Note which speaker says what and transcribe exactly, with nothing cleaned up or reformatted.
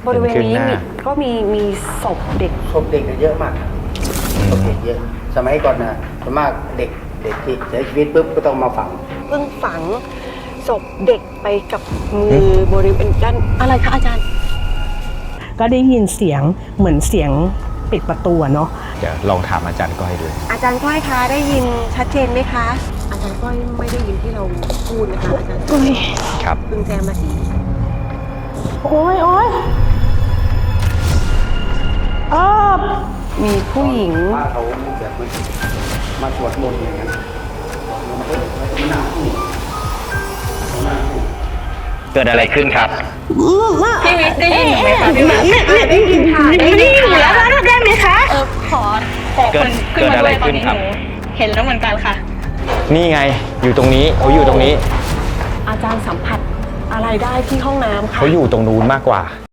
Speaker 1: บริเวณนี้
Speaker 2: เห็นขึ้นห
Speaker 1: มี
Speaker 2: น้า
Speaker 1: ก็มีมีศพเด็ก
Speaker 3: ศพเด็กเยอะมากศพเด็กเยอะ สมัยก่อนนะส่วนมากเด็กเด็กที่เสียชีวิตปุ๊บก็ต้องมาฝัง
Speaker 1: เพิ่งฝังศพเด็กไปกับมือบริเวณด้านอะไรคะอาจารย์
Speaker 4: ก็ได้ยินเสียงเหมือนเสียงปิดประตูอะเนาะ
Speaker 2: เดี๋ยวลองถามอาจารย์ก้อยดู
Speaker 1: อาจารย์ก้อยคะได้ยินชัดเจนไหมคะ อาจารย์ก้อยไม่ได้ยินที่เราพูดนะคะอาจารย์
Speaker 2: ครับ
Speaker 1: เพิ่งแจ้งมาที
Speaker 4: โอ้ยโอ้ยเออ
Speaker 1: มีผู้หญิง
Speaker 3: ว่าเขาแบบมันมาสวดมนต์อย่างนั้นมันก็มันหนาว
Speaker 2: เกิดอะไรขึ้นครับ
Speaker 5: พี่วิทย์ได้ยินไหมคะพี่วิทย์
Speaker 1: ได้ยินค่ะได้ยินอยู่แล้ว
Speaker 4: ได้ไหมคะ
Speaker 5: เออขอขอ
Speaker 2: เกิ
Speaker 5: ค
Speaker 2: ด
Speaker 5: นขึ้นมา
Speaker 2: เกิดอะไร
Speaker 5: ด้วยตอนนี้
Speaker 2: ขึ้นครับ
Speaker 5: หนูเห็นแล้วเหมือนกันค่ะ
Speaker 2: นี่ไงอยู่ตรงนี้เขาอยู่ตรงนี้
Speaker 1: อาจารย์สัมผัสอะไรได้ที่ห้องน้ำค่ะ
Speaker 2: เขาอยู่ตรงนู้นมากกว่า